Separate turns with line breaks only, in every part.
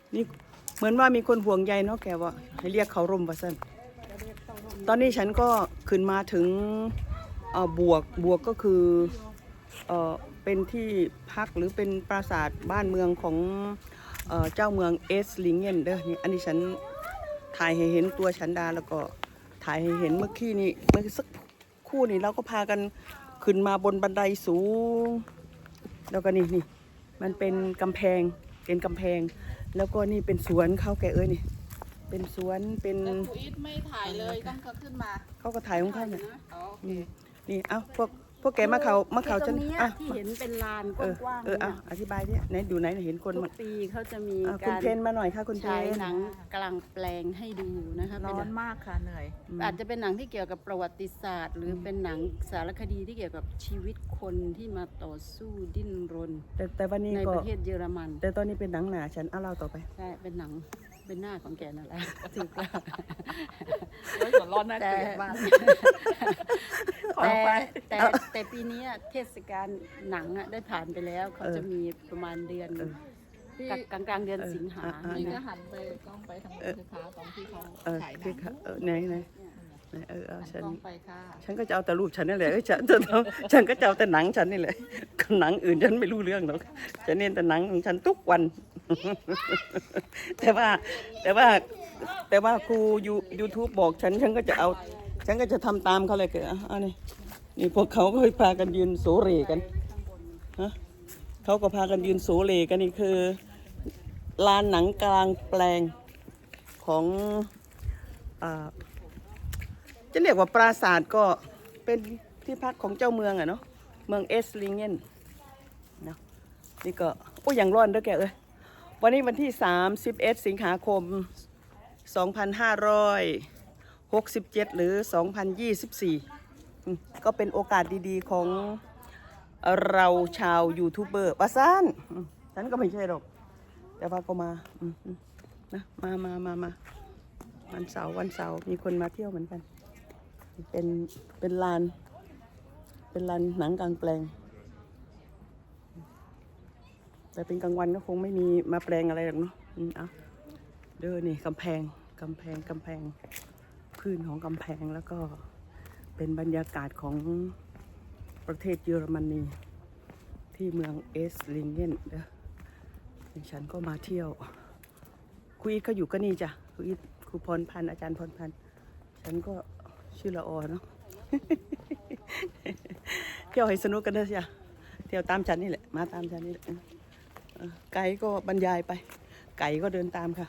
นี่เหมือนว่ามีคนห่วงใยเนาะแกว่าให้เรียกเขาร่มว่าสั้นตอนนี้ฉันก็ขึ้นมาถึงบวกก็คือเป็นที่พักหรือเป็นปราสาทบ้านเมืองของเจ้าเมืองเอสลิงเกนเด้อนี่อันนี้ฉันถ่ายให้เห็นตัวฉันดาแล้วก็ถ่ายให้เห็นเมื่อกี้นี่เมื่อสักครู่นี่เราก็พากันขึ้นมาบนบันไดสูงแล้วก็นี่มันเป็นกำแพงแล้วก็นี่เป็นสวนเขาแกเอ้ยนี่เป็นสวนเป็น
แต่ครูอีทไม่ถ่ายเลยต้องเขาขึ้นมา
เขาก็ถ่ายของเขาเนี่ย
อ๋อโอเค
นี่เอ้าพวกแกมาเขาฉัน
ที่เห็นเป็นลานกว้างๆ
อธิบายเนี่ยไหนดูไหนเห็นคน
ทุกปีเขาจะมี
คุณ
การ
เพนมาหน่อยค่ะคุณเพ
ฉาย
น
หนังกลางแปลงให้ดูนะคะ
ร้อนมากค่ะเหนื่อย
อาจจะเป็นหนังที่เกี่ยวกับประวัติศาสตร์ หรือเป็นหนังสารคดีที่เกี่ยวกับชีวิตคนที่มาต่อสู้ดิ้นรน
แต่วันนี้
ใน
ก็
ประเทศเยอรมัน
แต่ตอนนี้เป็นหนังหนาฉันเอาเล่าต่อไป
ใช่เป็นหนังเป็นหน้าของแกนั่นแหละถูกแล้ว
แล้วหัวร้อนน่าเกลียดมาก
แต่ปีนี้เทศกาลหนังได้ผ่านไปแล้วเขาจะมีประมาณเดือนกลางเดือนสิงหา
นี่ก็หันไปกล้องไปทางนู้นสิคะตอนที่เขาฉายหนั
ที่
ง
ค่ะไหนฉัน
กล้องไปค่ะ
ฉันก็จะเอาแต่รูปฉันนี่แหละฉันก็จะเอาแต่หนังฉันนี่แหละหนังอื่นฉันไม่รู้เรื่องหรอกฉันเน้นแต่หนังของฉันทุกวัน แต่ว่าครูYouTube บอกฉันก็จะเอาฉันก็จะทำตามเขาเลยเกิดนี่พวกเขาก็พากันยืนโสเรกันฮะเขาก็พากันยืนโสเรกันนี่คือลานหนังกลางแปลงของจะเรียกว่าปราสาทก็เป็นที่พักของเจ้าเมืองอะเนาะเมืองเอสลิงเกนเนาะนี่ก็โอ้ยังร้อนด้วยแกเอ้ยวันนี้วันที่31สิงหาคม2567หรือ2024ก็เป็นโอกาสดีๆของเราชาวยูทูบเบอร์ปะซ่านฉันก็ไม่ใช่หรอกแต่ว่าก็มานะมาวันเสาร์มีคนมาเที่ยวเหมือนกันเป็นลานหนังกลางแปลงแต่เป็นกลางวันก็คงไม่มีมาแปลงอะไรหรอกเนาะเอาเด้อนี่กำแพงพื้นของกำแพงแล้วก็เป็นบรรยากาศของประเทศเยอรมนีที่เมืองเอสลิงเกนเด้อฉันก็มาเที่ยวครูอีทก็อยู่ก็นี่จ้ะครูอีทครูพรพันธ์อาจารย์พรพันธ์ฉันก็ชื่อละออเนาะ เที่ยวให้สนุกกันเถอะจ้ะเที่ยวตามฉันนี่แหละมาตามฉันนี่แหละไก่ก็บรรยายไปไก่ก็เดินตามค่ะ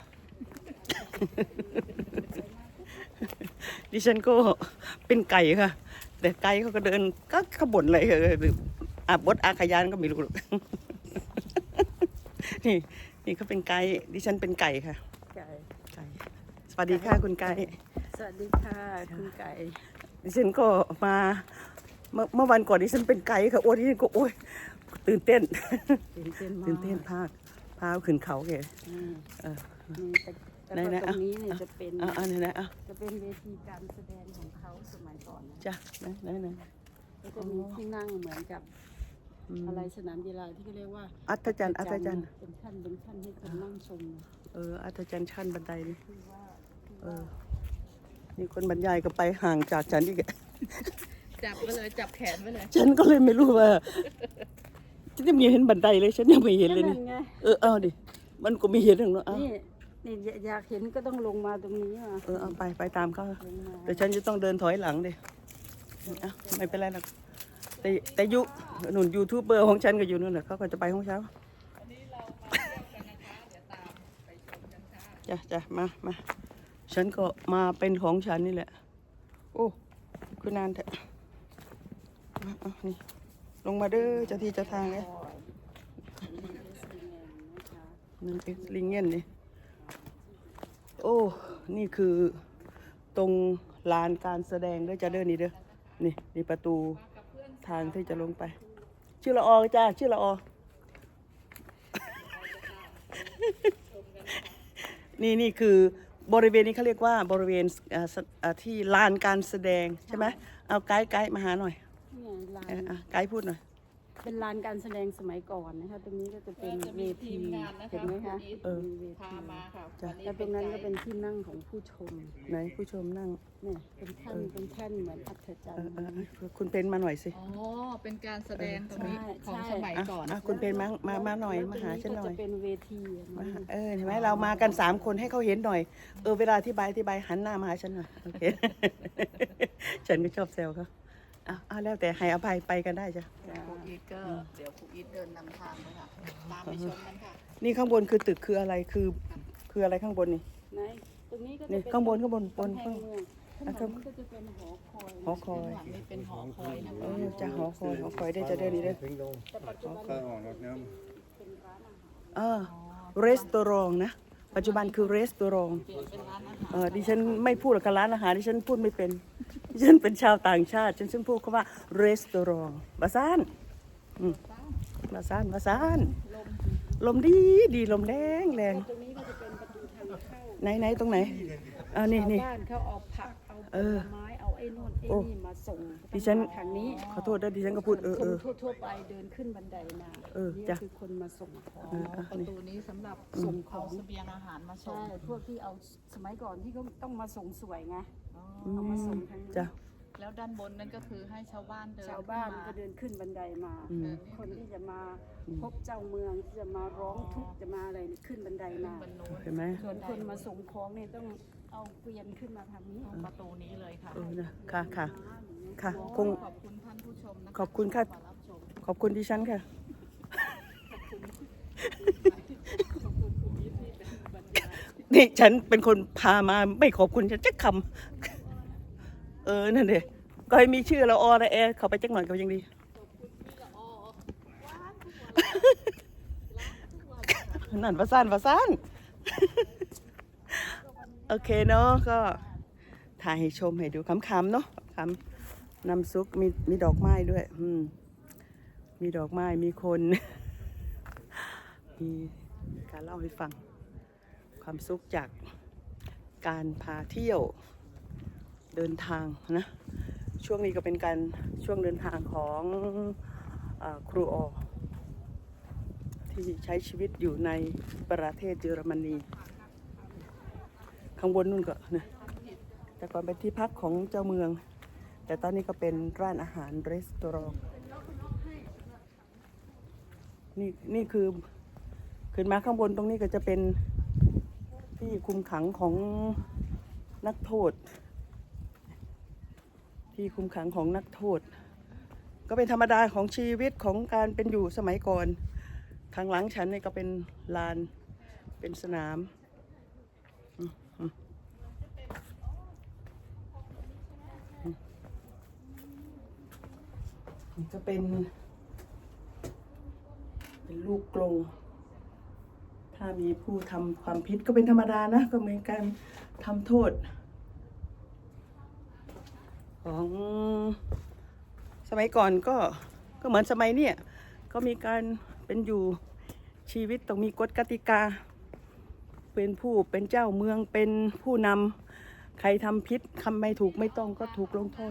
ดิฉันก็เป็นไก่ค่ะแต่ไก่เขาก็เดินก็ขบวนอะไรหรืออบดอาขยานก็ไม่รู้หรอก นี่เขาเป็นไก่ดิฉันเป็นไก่ค่ะไก่สวัสดีค่ะคุณไก่
สวัสดีค่ะคุณไก่
ดิฉันก็มาเมื่อวันก่อนดิฉันเป็นไก่ค่ะโอ้ดิฉันก็โอ้ยตื่นเต้นพาขึ้นเขาแก
แต่ตรงนี้เนี่ยจะเป็น
จะ
เป็นเวทีการแสดงของเขาสมัยก่อนนะ
จ้ะไหน
ก็จะมีที่นั่งเหมือนกับอะไรสนามกีฬาที่เขาเรียกว่า
อัศจรรย์
เป็นขั้นให้คนนั่งชม
อัศจรรย์ชั้นบันไดนี่นี่คนบรรยายก็ไปห่างจากฉันอีก
จับไปเลยจับแขนไปเลย
ฉันก็เลยไม่รู้ว่าฉันยังไม่เห็นบันไดเลยฉันยังไม่เห็นเลยนี่เอาดิมันก็ไม่เห็นหรอกเนาะ
นี่อยากเห็นก็ต้องลงมาตรงนี้มา
เอาไปตามเขาแต่ฉันจะต้องเดินถอยหลังดิไม่เป็นไรหรอกแต่หนุนยูทูบเบอร์ของฉันก็อยู่นู่นแหละเขาก็จะไปห้องเช้าจ้ะมาฉันก็มาเป็นของฉันนี่แหละโอ้คือนานแท้นี่ลงมาเด้อเจ้าที่เจ้าทางเลยนั่นเองลิงเงี้ยนี่โอ้นี่คือตรงลานการแสดงด้วยจะเดินนี่เด้อนี่ประตูทางที่จะลงไปชื่อละอจ้าชื่อละอ นี่คือบริเวณนี้เขาเรียกว่าบริเวณที่ลานการแสดงใช่ไหมเอาไกด์มาหาหน่อยไกด์พูดหน่อย
เป็นลานการแสดงสมัยก่อนนะคะตรงนี้ก็จะเป็น
จะ
เว
มีที
ที
มงานนะคะ
เห็นไหมคะ
อีท
มีเว
พา
ที
มาค่ะ
จ้ะ
วันนี้
แล้วตรงนั้นก็เป็นที่นั่งของผู้ชม
ไหนผู้ชมนั่ง
เนี่ยเป็นแท่นเป็นแท่นเหมือนอัศจรรย์
คุณเป็นมาหน่อยสิ
อ๋อเป็นการแสดงตรงนี้
ใช่
ของสมัยก่อน
คุณเป็นมาหน่อยมาหาฉันหน่อย
แล้วตรงก็จะเป็นเวทีอะ
มา
นะ
หาเห็นไหมเรามากัน3 คนให้เขาเห็นหน่อยเวลาอธิบายหันหน้ามาหาฉันหน่อยโอเค ฉันก็ชอบแซวเขาแล้วแต่ให้อภัยไปกันได้จ้ะ
ครูอีทก็เดี๋ยวครูอีทเดินนำทางเลยค่ะตามไปชมกันค่ะ
นี่ข้างบนคือตึกคืออะไรคืออะไรข้างบนนี่
ไหนตรงนี้ก็จะ
นี่
เป็น
ข้างบน
กำแพ
บน
เมืองข้างหลังนี้ก็จะเป็นหอคอย
หอคอย
ข้างหลังนี่เป็นหอคอยนะคะ
จะหอคอยได้จะเดินนี่ได้
แต่ปัจจุบัน
ข้าวอ่อนรดน้
เป็นร้านอาหาร
รีสตอรองนะปัจจุบันคือรีสตอรอง
เปลี่ยนเป็นร้านอาหาร
ดิฉันไม่พูดกับร้านอาหารดิฉันพูดไม่เป็นดิฉันเป็นชาวต่างชาติฉันพูดคำว่ารีสตอรองบาซานบาซานลมดีลมแรง
ตรงนี้ก็จะเป็นประตูทางเข้า
ไหนตรงไหนนี่
ชาว
นี่
บ้านเขาเอาผักเอาผลไม้เอาไอ้นู่นไอ้
โอ้
นี่มาส่ง
ดิฉัน
ทางนี้
ขอโทษด้วยดิฉันก็พูด
คนทั่วๆไปเดินขึ้นบันไดมา นี่
จ้ะ
คือคนมาส่งของ
ประตูนี้สำหรับส่งของเสบียงอาหารมาส่ง
ใช่พวกที่เอาสมัยก่อนที่เขาต้องมาส่งสวยไง
อ๋อ
เอามาส่งทางนี้
จ้ะ
แล้วด้านบนนั่นก็คือให้ชาวบ้านเดิน
ชาวบ้าน
ขึ้
ก็เดินขึ้นบันไดมา คนที่จะมาพบเจ้าเมืองที่จะมาร้องทุกข์จะมาอะไรนี่ขึ้นบันไดมา
บนนู้น
เห็นไหม
ส่วนคนมาส่งของเนี่ยต้องเอาเกวียนขึ้นมาทางนี้
ประตูนี้เลยค่ะ
นะค่ะคง
ขอบคุณท่านผู้ชมนะคะ
ขอบคุณค่ะ
ที่มารับชม
ขอบคุณดิฉันค่ะนี่ฉันเป็นคนพามาไม่ขอบคุณฉันจักคำนั่นเองก็ให้มีชื่อเราอระแอเขาไปจักหน่อยก็ยังดีนั่นประสานโอเคเนาะก็ถ่ายให้ชมให้ดูขำๆเนาะขำน้ำซุปมีดอกไม้ด้วยมีดอกไม้มีคน มีการเล่าให้ฟังความสุขจากการพาเที่ยวเดินทางนะช่วงนี้ก็เป็นการช่วงเดินทางของครูออที่ใช้ชีวิตอยู่ในประเทศเยอรมนีข้างบนนู่นก็นะแต่ก่อนเป็นที่พักของเจ้าเมือง แต่ตอนนี้ก็เป็นร้านอาหารรีสตอรองนี่คือขึ้นมาข้างบนตรงนี้ก็จะเป็นที่คุมขังของนักโทษที่คุมขังของนักโทษก็เป็นธรรมดาของชีวิตของการเป็นอยู่สมัยก่อนข้างหลังฉันนี่ก็เป็นลานเป็นสนามนี่ก็เป็นลูกกรงถ้ามีผู้ทำความผิดก็เป็นธรรมดานะก็เหมือนการทำโทษของสมัยก่อนก็เหมือนสมัยเนี้ยก็มีการเป็นอยู่ชีวิตต้องมีกฎกติกาเป็นเจ้าเมืองเป็นผู้นำใครทำผิดทำไม่ถูกไม่ต้องก็ถูกลงโทษ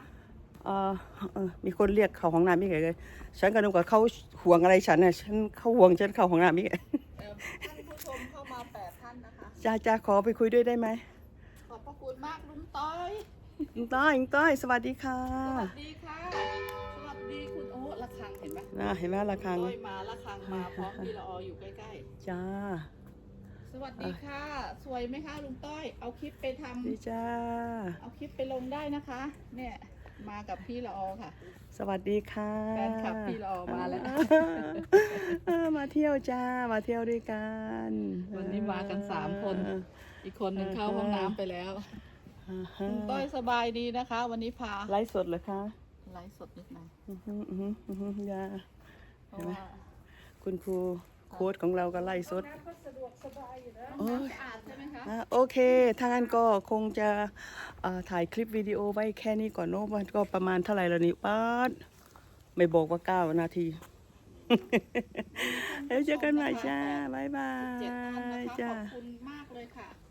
มีคนเรียกเขาห้องน้ำไม่ไงเลยฉันก็นึกว่าเขาห่วงอะไรฉันน่ะเขาห่วงฉันเข้าห้องน้ำไม่ไง
ท่านผู้ชมเข้ามา8 ท่านนะคะ
จ้าขอไปคุยด้วยได้ไหม
ขอบพระคุณมากลุงต้อย
อิงต้อยสวัสดีค่ะ
สวัสดีค่ะ สวัสดีคุณโอ้ระฆังเห็นไหม
เห็นไหมระฆัง
ต้อยมาระฆังมาพร้อมพี่ละอออยู่ใกล้
จ้า
ๆ สวัสดีค่ะ สวยไหมคะลุงต้อย เอาคลิปไปทำ
ดีจ้า
เอาคลิปไปลงได้นะคะ เนี่ยมากับพี่ละออค่ะ
สวัสดีค่ะ
แฟนคลับพี่ละออมาแล้ว
มาเที่ยวจ้ามาเที่ยวด้วยกัน
วันนี้มากัน3 คน อีกคนหนึ่งเข้าห้องน้ำไปแล้วลุงต้อยสบายดีนะคะ วันนี้พา
ไลฟ์สดเหรอคะ
ไลฟ์สดนิดหน่อย
จ้า
เพราะว่า
คุณครูโค้ดของเราก็ไล่สด
สะดวกสบายอยู่นะ
โอ้ย
สะอาดใช่ไหมคะ
โอเคถ้างั้นก็คงจะถ่ายคลิปวิดีโอไว้แค่นี้ก่อนเนอะมันก็ประมาณเท่าไหร่แล้วนี่ป้าดไม่บอกว่า9 นาที แล้วเจอกันใหม่จ้า บ๊ายบา
7 ท่านนะ
ย
คะ
จ้า
ขอบคุณมากเลยค่ะ